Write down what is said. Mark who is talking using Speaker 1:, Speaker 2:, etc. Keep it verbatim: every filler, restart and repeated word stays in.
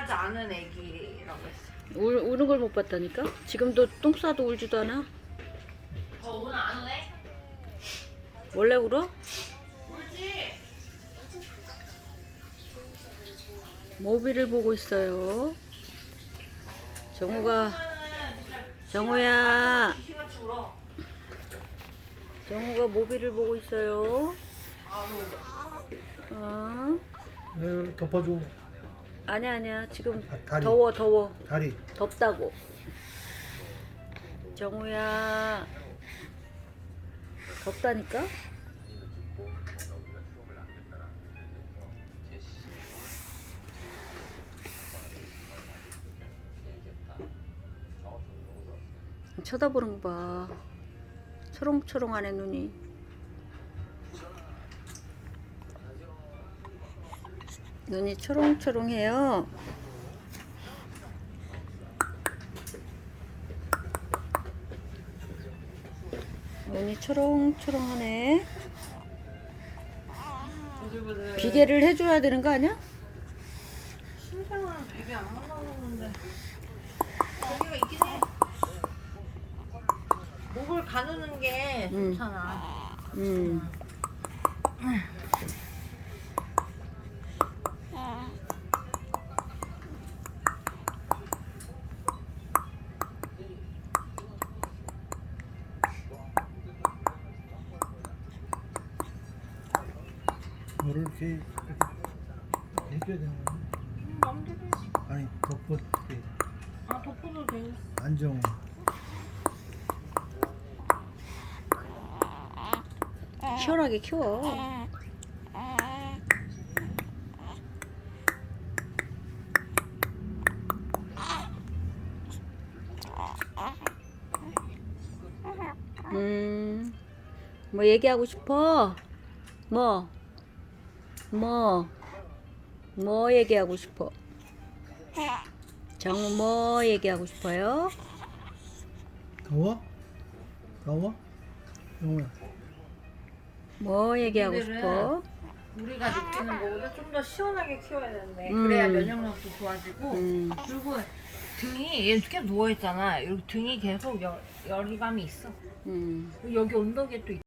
Speaker 1: 운하지 않은 애기라고 했어.
Speaker 2: 울, 우는 걸 못 봤다니까? 지금도 똥 싸도 울지도 않아?
Speaker 1: 저 오늘 안 해?
Speaker 2: 원래 울어?
Speaker 1: 울지?
Speaker 2: 모비를 보고 있어요. 정우가, 정우야,
Speaker 1: 귀신같이 울어.
Speaker 2: 정우가 모비를 보고 있어요.
Speaker 1: 아우.
Speaker 2: 어?
Speaker 3: 네, 덮어줘.
Speaker 2: 아니야, 아니야. 지금
Speaker 3: 아, 다리.
Speaker 2: 더워, 더워.
Speaker 3: 다리.
Speaker 2: 덥다고. 정우야, 덥다니까? 쳐다보는 거 봐. 초롱초롱하네, 눈이. 눈이 초롱초롱해요. 눈이 초롱초롱하네. 비계를 해줘야 되는 거 아니야?
Speaker 1: 신생아는 베개 안 만나는데 베개가 있긴 해. 목을 가누는 게
Speaker 2: 응.
Speaker 1: 좋잖아.
Speaker 2: 음.
Speaker 3: 뭐를 이렇게, 이렇게 해줘야 되는 거야?
Speaker 1: 음, 맘대로 해.
Speaker 3: 아니, 덮어. 이렇게
Speaker 1: 아 덮어도 돼.
Speaker 3: 안정.
Speaker 2: 시원하게 키워. 음, 뭐 얘기하고 싶어? 뭐? 뭐? 뭐 얘기하고 싶어? 정우 뭐 얘기하고 싶어요?
Speaker 3: 더워? 더워? 영호야.
Speaker 2: 뭐 얘기하고
Speaker 1: 애기들은
Speaker 2: 싶어?
Speaker 1: 우리가 느끼는 거보다 좀 더 시원하게 키워야 되는데
Speaker 2: 음.
Speaker 1: 그래야 면역력도 좋아지고
Speaker 2: 음.
Speaker 1: 그리고 등이 얘 계속 누워 있잖아. 여기 등이 계속 열, 열감이 있어.
Speaker 2: 음.
Speaker 1: 여기 언덕에 또